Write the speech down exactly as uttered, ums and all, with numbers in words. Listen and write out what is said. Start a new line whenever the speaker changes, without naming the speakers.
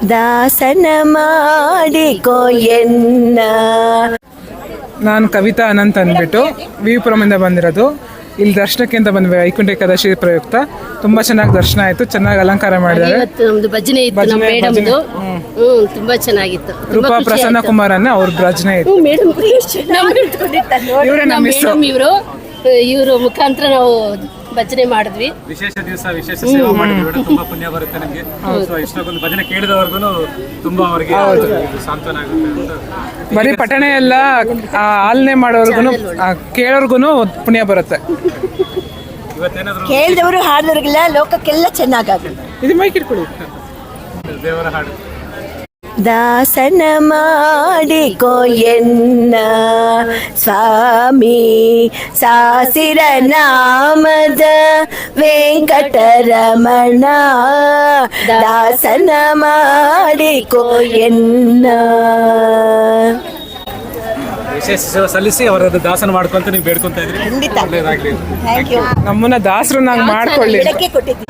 ದಾಸನ ಮಾಡಿಕೋ ಎನ್ನ.
ನಾನು ಕವಿತಾ ಅನಂತ್ ಅಂದ್ಬಿಟ್ಟು ವಿ ಪುರಮಿಂದ ಬಂದಿರೋದು. ಇಲ್ಲಿ ದರ್ಶನಕ್ಕೆ ಅಂತ ಬಂದ್ವಿ ವೈಕುಂಠ ಏಕಾದಶಿ ಪ್ರಯುಕ್ತ. ತುಂಬಾ ಚೆನ್ನಾಗಿ ದರ್ಶನ ಆಯ್ತು, ಚೆನ್ನಾಗಿ ಅಲಂಕಾರ ಮಾಡಿದ್ದಾರೆ.
ಇವತ್ತು ನಮ್ದು ಭಜನೆ ಇತ್ತು, ನಮ್ಮ ಮೇಡಮ್ದು. ಹ್ಮ್ ತುಂಬಾ ಚೆನ್ನಾಗಿತ್ತು.
ರೂಪಾ ಪ್ರಸನ್ನ ಕುಮಾರ್ ಅನ್ನ ಅವ್ರ ಭಜನೆ ಇತ್ತು.
ಮೇಡಮ್
ಇವರೇ ನಮ್ಮ ಮಿಸ್.
ಇವರು ಇವರು ಮುಖಾಂತರ ನಾವು ಭಜನೆ ಮಾಡಿದ್ವಿ.
ವಿಶೇಷ ದಿವಸ ವಿಶೇಷ ಸೇವೆ ಮಾಡಿದ್ವಿ. ತುಂಬಾ ಪುಣ್ಯ ಬರುತ್ತೆ ನಮಗೆ. ಸೊ ಇಷ್ಟೊಂದು ಭಜನೆ ಕೇಳಿದವರೆಗೂ ತುಂಬಾ ಅವರಿಗೆ ಸಾಂತ್ವನ ಆಗುತ್ತೆ.
ಬರೀ ಪಠಣೆ ಎಲ್ಲ ಆಲನೆ ಮಾಡೋರ್ಗು ಕೇಳೋರ್ಗು ಪುಣ್ಯ ಬರುತ್ತೆ.
ಇವತ್ತೇನಾದ್ರು
ಕೇಳಿದವರು ಹಾಡಿದವ್ರಿಗೆಲ್ಲ ಲೋಕಕ್ಕೆಲ್ಲ ಚೆನ್ನಾಗಾಗುತ್ತೆ.
ಇದು ಮೈಕ್ ಇಟ್ಕೊಳ್ಳಿ.
ದೇವರ ಹಾಡು.
ದಾಸನ ಮಾಡಿಕೋ ಎನ್ನ ಸ್ವಾಮಿ ಸಾಸಿರ ನಾಮದ ವೆಂಕಟರಮಣ. ದಾಸನ ಮಾಡಿಕೋ ಎನ್ನ.
ವಿಶೇಷ ಸೇವೆ ಸಲ್ಲಿಸಿ ಅವರದ್ದು ದಾಸನ ಮಾಡ್ಕೊಂತ ನೀವು ಬೇಡ್ಕೊಂತ ಇದ್ರಿ.
ಖಂಡಿತ.
ಒಳ್ಳೆಯದಾಗ್ಲಿ.
Thank you.
ನಮ್ಮನ್ನ ದಾಸರು ನಂಗೆ ಮಾಡ್ಕೊಳ್ಳಿ.
ಬೆಳಗ್ಗೆ ಕೊಟ್ಟಿದ್ದೀನಿ.